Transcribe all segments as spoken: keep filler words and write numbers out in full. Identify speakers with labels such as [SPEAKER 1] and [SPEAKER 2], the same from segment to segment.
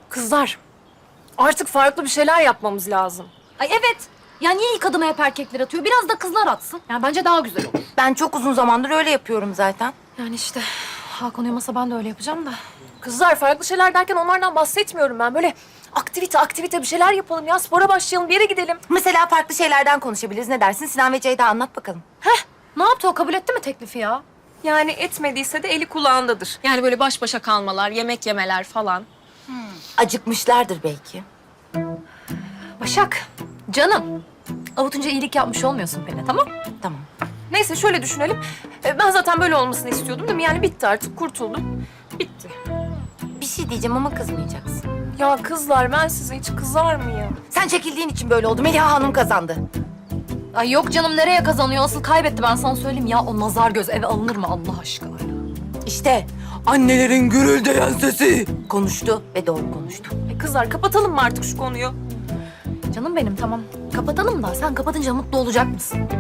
[SPEAKER 1] Kızlar, artık farklı bir şeyler yapmamız lazım.
[SPEAKER 2] Ay evet. Ya niye ilk adımı hep erkekler atıyor? Biraz da kızlar atsın. Yani bence daha güzel olur.
[SPEAKER 3] Ben çok uzun zamandır öyle yapıyorum zaten.
[SPEAKER 2] Yani işte Hakan uyumasa ben de öyle yapacağım da.
[SPEAKER 1] Kızlar, farklı şeyler derken onlardan bahsetmiyorum ben. Böyle aktivite aktivite bir şeyler yapalım ya. Spora başlayalım, bir yere gidelim.
[SPEAKER 3] Mesela farklı şeylerden konuşabiliriz. Ne dersin? Sinan ve Ceyda anlat bakalım.
[SPEAKER 2] Heh, ne yaptı o? Kabul etti mi teklifi ya?
[SPEAKER 1] Yani etmediyse de eli kulağındadır. Yani böyle baş başa kalmalar, yemek yemeler falan.
[SPEAKER 3] Acıkmışlardır belki.
[SPEAKER 2] Başak, canım. Avutunca iyilik yapmış olmuyorsun Pelin'e, tamam?
[SPEAKER 3] Tamam.
[SPEAKER 1] Neyse şöyle düşünelim. Ee, Ben zaten böyle olmasını istiyordum değil mi? Yani bitti artık, kurtuldum. Bitti.
[SPEAKER 3] Bir şey diyeceğim ama kızmayacaksın.
[SPEAKER 1] Ya kızlar, ben size hiç kızar mıyım?
[SPEAKER 3] Sen çekildiğin için böyle oldu. Meliha Hanım kazandı.
[SPEAKER 2] Ay yok canım, nereye kazanıyor? Asıl kaybetti, ben sana söyleyeyim ya. O nazar göz eve alınır mı Allah aşkına?
[SPEAKER 3] İşte annelerin gürüldeyen sesi konuştu ve doğru konuştu.
[SPEAKER 1] E kızlar, kapatalım mı artık şu konuyu?
[SPEAKER 2] Canım benim, tamam. Kapatalım da sen kapatınca mutlu olacak mısın?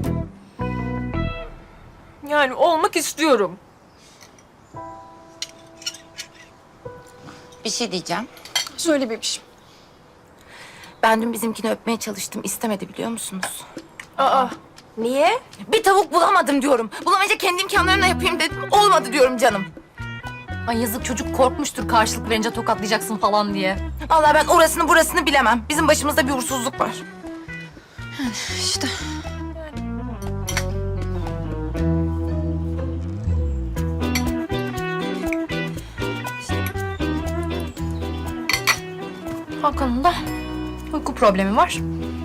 [SPEAKER 1] Yani olmak istiyorum.
[SPEAKER 3] Bir şey diyeceğim.
[SPEAKER 1] Söyle bebişim.
[SPEAKER 3] Ben dün bizimkini öpmeye çalıştım. İstemedi biliyor musunuz?
[SPEAKER 1] Aa, niye?
[SPEAKER 3] Bir tavuk bulamadım diyorum. Bulamayınca kendi imkanlarımla yapayım dedim. Olmadı diyorum canım.
[SPEAKER 2] Ay yazık, çocuk korkmuştur karşılık verince tokatlayacaksın falan diye.
[SPEAKER 3] Vallahi ben orasını burasını bilemem. Bizim başımızda bir uğursuzluk var.
[SPEAKER 2] İşte. Hakan'ın da uyku problemi var.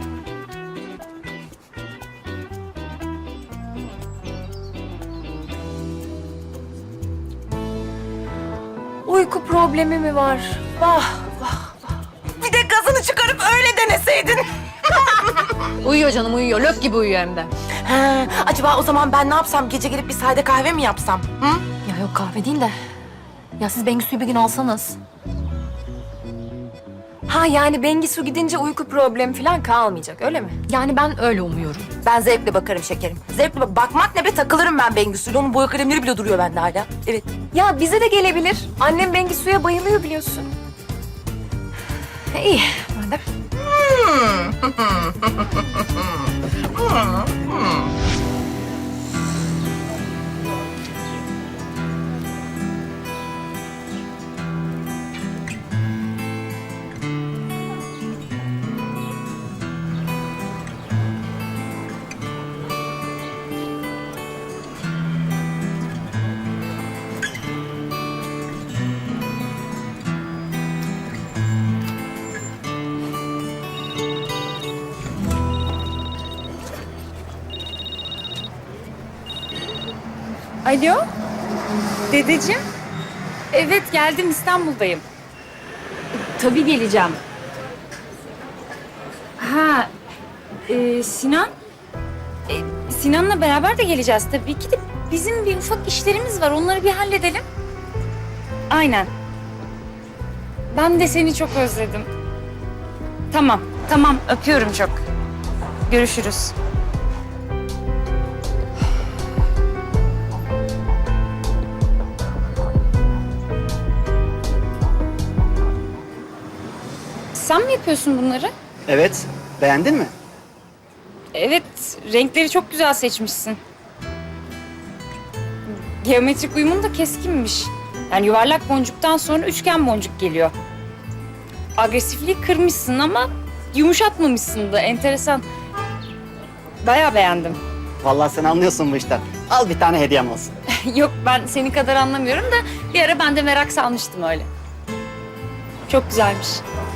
[SPEAKER 1] Uyku problemi mi var? Vah, vah.
[SPEAKER 3] Bir de gazını çıkarıp öyle deneseydin.
[SPEAKER 2] Uyuyor canım, uyuyor. Lök gibi uyuyor hem de.
[SPEAKER 3] Ha, acaba o zaman ben ne yapsam? Gece gelip bir sade kahve mi yapsam? Hı?
[SPEAKER 2] Ya yok, kahve değil de. Ya siz Bengisu'yu bir gün alsanız.
[SPEAKER 1] Ha yani Bengisu gidince uyku problemi falan kalmayacak, öyle mi?
[SPEAKER 2] Yani ben öyle umuyorum.
[SPEAKER 3] Ben zevkle bakarım şekerim. Zevkle bak bakmak ne be, takılırım ben Bengisu'yla. Onun boya kalemleri bile duruyor bende hala. Evet.
[SPEAKER 1] Ya bize de gelebilir. Annem Bengisu'ya bayılıyor biliyorsun.
[SPEAKER 2] İyi madem.
[SPEAKER 4] Alo, dedeciğim. Evet, geldim, İstanbul'dayım. Tabii geleceğim. Ha, e, Sinan? E, Sinan'la beraber de geleceğiz tabii ki de. Bizim bir ufak işlerimiz var, onları bir halledelim. Aynen. Ben de seni çok özledim. Tamam, tamam, öpüyorum çok. Görüşürüz. Sen mi yapıyorsun bunları?
[SPEAKER 5] Evet. Beğendin mi?
[SPEAKER 4] Evet, renkleri çok güzel seçmişsin. Geometrik uyumun da keskinmiş. Yani yuvarlak boncuktan sonra üçgen boncuk geliyor. Agresifliği kırmışsın ama yumuşatmamışsın da, enteresan. Bayağı beğendim.
[SPEAKER 5] Vallahi sen anlıyorsun bu işten. Al bir tane hediyem olsun.
[SPEAKER 4] Yok, ben seni kadar anlamıyorum da bir ara ben de merak salmıştım öyle. Çok güzelmiş.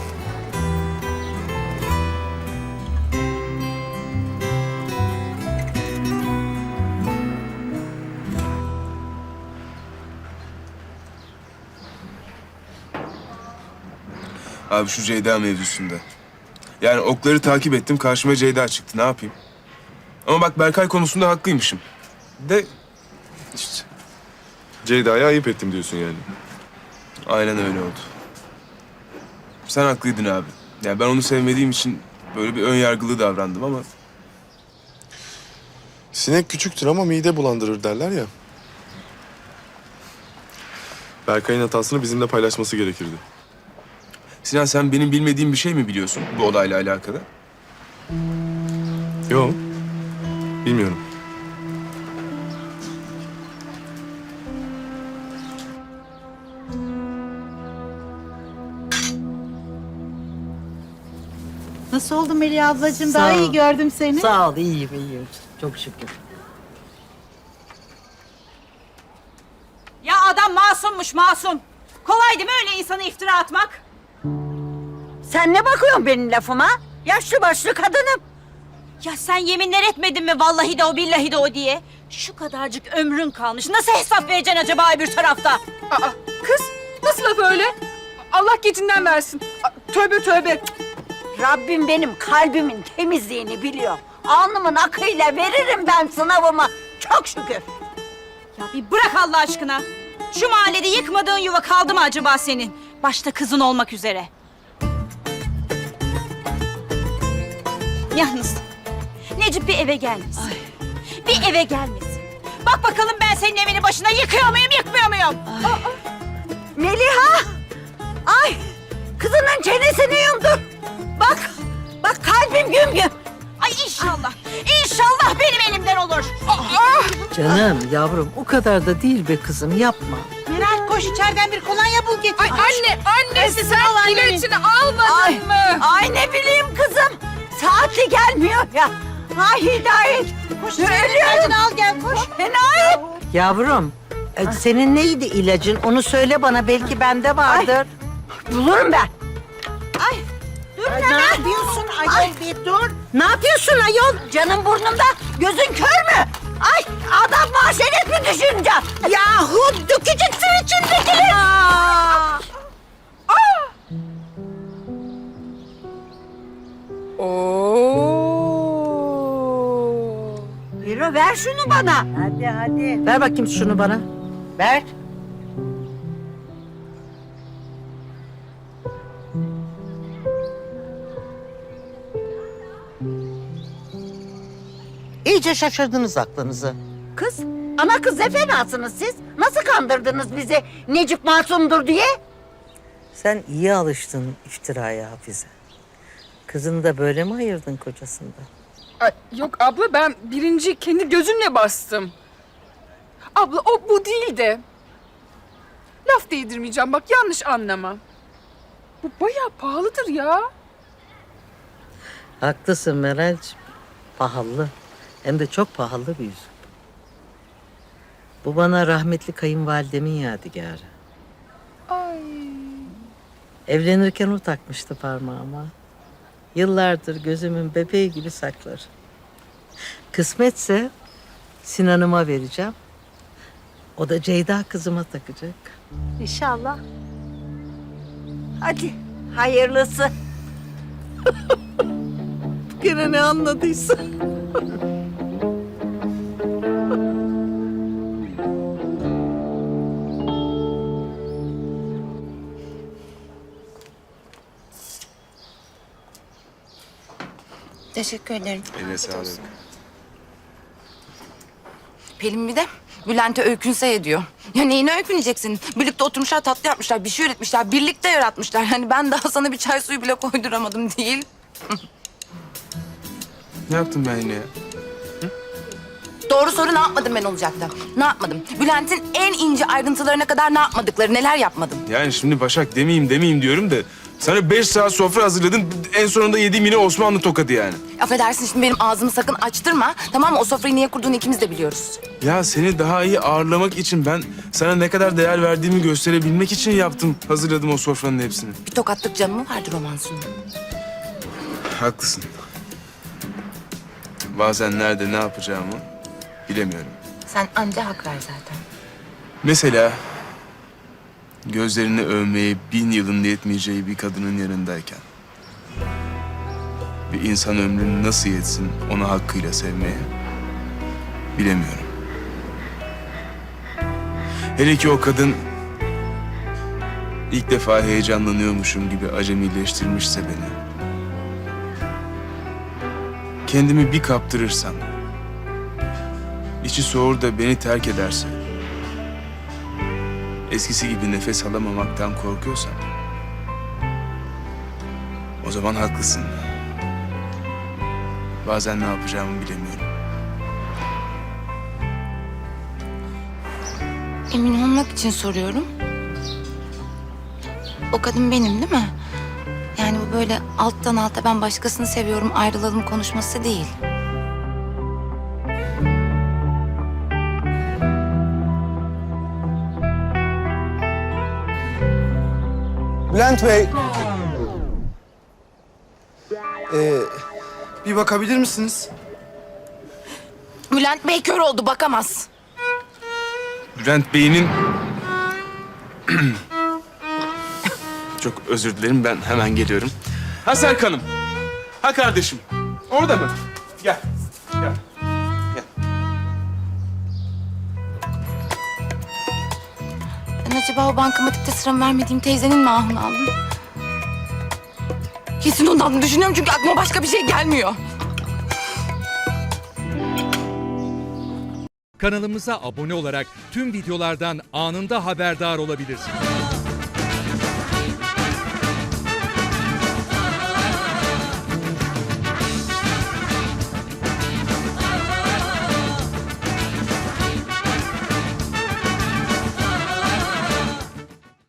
[SPEAKER 6] Abi şu Ceyda mevzusunda. Yani okları takip ettim, karşıma Ceyda çıktı. Ne yapayım? Ama bak Berkay konusunda haklıymışım. De işte
[SPEAKER 7] Ceyda'ya ayıp ettim diyorsun yani.
[SPEAKER 6] aynen öyle oldu. Sen haklıydın abi. Yani ben onu sevmediğim için böyle bir ön yargılı davrandım ama...
[SPEAKER 7] Sinek küçüktür ama mide bulandırır derler ya. Berkay'ın hatasını bizimle paylaşması gerekirdi.
[SPEAKER 6] Sinan sen benim bilmediğim bir şey mi biliyorsun bu olayla alakalı?
[SPEAKER 7] Yok. Bilmiyorum.
[SPEAKER 8] Nasıl oldu Melih ablacığım?
[SPEAKER 9] Sağ
[SPEAKER 8] Daha
[SPEAKER 9] ol.
[SPEAKER 8] iyi gördüm seni.
[SPEAKER 9] Sağ ol, iyiyim, iyiyim. Çok şükür.
[SPEAKER 8] Ya adam masummuş masum. Kolay değil mi öyle insana iftira atmak?
[SPEAKER 9] Sen ne bakıyorsun benim lafıma? Yaşlı başlı kadınım.
[SPEAKER 8] Ya sen yeminler etmedin mi vallahi de o billahi de o diye? Şu kadarcık ömrün kalmış. Nasıl hesap vereceksin acaba bir tarafta?
[SPEAKER 10] Aa, kız nasıl laf öyle? Allah gecinden versin. Aa, tövbe tövbe.
[SPEAKER 9] Rabbim benim kalbimin temizliğini biliyor. Alnımın akıyla veririm ben sınavımı. Çok şükür.
[SPEAKER 8] Ya bir bırak Allah aşkına. Şu mahallede yıkmadığın yuva kaldı mı acaba senin? Başta kızın olmak üzere. Yalnız Necip bir eve gelmesin. Bir eve gelmesin. Bak bakalım ben senin evini başına yıkıyor muyum, yıkmıyor muyum?
[SPEAKER 9] Meliha! Ay! Kızının çenesini yumdur. Bak! Bak kalbim güm güm.
[SPEAKER 8] Ay inşallah, inşallah benim elimden olur.
[SPEAKER 9] Canım yavrum o kadar da değil be kızım yapma.
[SPEAKER 8] Meral koş içeriden bir kolonya bul getir.
[SPEAKER 10] Ay anne, annesi sen ilacını almadın
[SPEAKER 9] Ay,
[SPEAKER 10] mı?
[SPEAKER 9] ay ne bileyim kızım. Saatli gelmiyor ya. Ay Hidayet.
[SPEAKER 8] Koş içeriden al gel koş.
[SPEAKER 9] Hidayet.
[SPEAKER 11] Yavrum, e, senin neydi ilacın? Onu söyle bana, belki bende vardır.
[SPEAKER 9] Bulurum ben.
[SPEAKER 11] Ay, ne yapıyorsun ayol, bir dur. Ne yapıyorsun ayol?
[SPEAKER 9] Canım burnumda, gözün kör mü? Ay adam mahşeret mi düşüneceğim?
[SPEAKER 11] Yahu dökeceksin içindekileri.
[SPEAKER 9] Yürü ver şunu bana.
[SPEAKER 11] Hadi hadi. Ver bakayım şunu bana. Ver. İyice şaşırdınız aklınızı.
[SPEAKER 9] Kız, ana kız ne fenasınız siz? Nasıl kandırdınız bizi Necip masumdur diye?
[SPEAKER 11] Sen iyi alıştın iftiraya Hafize. Kızını da böyle mi ayırdın kocasından?
[SPEAKER 10] Ay, yok abla ben birinci kendi gözümle bastım. Abla o bu değil de. Laf değdirmeyeceğim bak yanlış anlama. Bu bayağı pahalıdır ya.
[SPEAKER 11] Haklısın Meral'cığım. Pahalı. Hem de çok pahalı bir yüzük. Bu bana rahmetli kayınvalidemin yadigarı.
[SPEAKER 10] Ay.
[SPEAKER 11] Evlenirken o takmıştı parmağıma. Yıllardır gözümün bebeği gibi saklar. Kısmetse Sinan'ıma vereceğim. O da Ceyda kızıma takacak.
[SPEAKER 9] İnşallah. Hadi hayırlısı.
[SPEAKER 11] Gene ne anladıysa.
[SPEAKER 3] Teşekkür ederim.
[SPEAKER 6] Eline sağlık.
[SPEAKER 3] Pelin bir de Bülent'e öykünse ediyor. Ya neyine öyküneceksin? Birlikte oturmuşlar, tatlı yapmışlar, bir şey üretmişler, birlikte yaratmışlar. Hani ben daha sana bir çay suyu bile koyduramadım değil.
[SPEAKER 6] Ne yaptım ben yine ya?
[SPEAKER 3] Doğru soru ne yapmadım ben olacaktı? Ne yapmadım? Bülent'in en ince ayrıntılarına kadar ne yapmadıkları, neler yapmadım?
[SPEAKER 6] Yani şimdi Başak demeyeyim demeyeyim diyorum da... Sana beş saat sofra hazırladın. En sonunda yediğim yine Osmanlı tokadı yani.
[SPEAKER 3] Affedersin şimdi benim ağzımı sakın açtırma. Tamam mı? O sofrayı niye kurduğunu ikimiz de biliyoruz.
[SPEAKER 6] Ya seni daha iyi ağırlamak için ben sana ne kadar değer verdiğimi gösterebilmek için yaptım. Hazırladım o sofranın hepsini.
[SPEAKER 3] Bir tokatlık canı mı vardı romansının?
[SPEAKER 6] Haklısın. Bazen nerede ne yapacağımı bilemiyorum.
[SPEAKER 3] Sen anca hak ver zaten.
[SPEAKER 6] Mesela gözlerini övmeye bin yılın yetmeyeceği bir kadının yanındayken bir insan ömrünü nasıl yetsin onu hakkıyla sevmeye bilemiyorum. Hele ki o kadın ilk defa heyecanlanıyormuşum gibi acemileştirmişse beni. Kendimi bir kaptırırsam, içi soğur da beni terk ederse, eskisi gibi nefes alamamaktan korkuyorsam, O zaman haklısın. Bazen ne yapacağımı bilemiyorum.
[SPEAKER 3] Emin olmak için soruyorum. O kadın benim değil mi? Yani bu böyle alttan alta ben başkasını seviyorum ayrılalım konuşması değil.
[SPEAKER 12] Bülent Bey. Ee, bir bakabilir misiniz?
[SPEAKER 3] Bülent Bey kör oldu bakamaz.
[SPEAKER 6] Bülent Bey'in... Çok özür dilerim, ben hemen geliyorum. Ha Serkan'ım. Ha kardeşim. Orada mı? Gel. Gel. Gel.
[SPEAKER 3] Ben acaba o bankamatikte sıramı vermediğim teyzenin mi ahını aldım? Kesin ondan düşünüyorum çünkü aklıma başka bir şey gelmiyor.
[SPEAKER 13] Kanalımıza abone olarak tüm videolardan anında haberdar olabilirsiniz.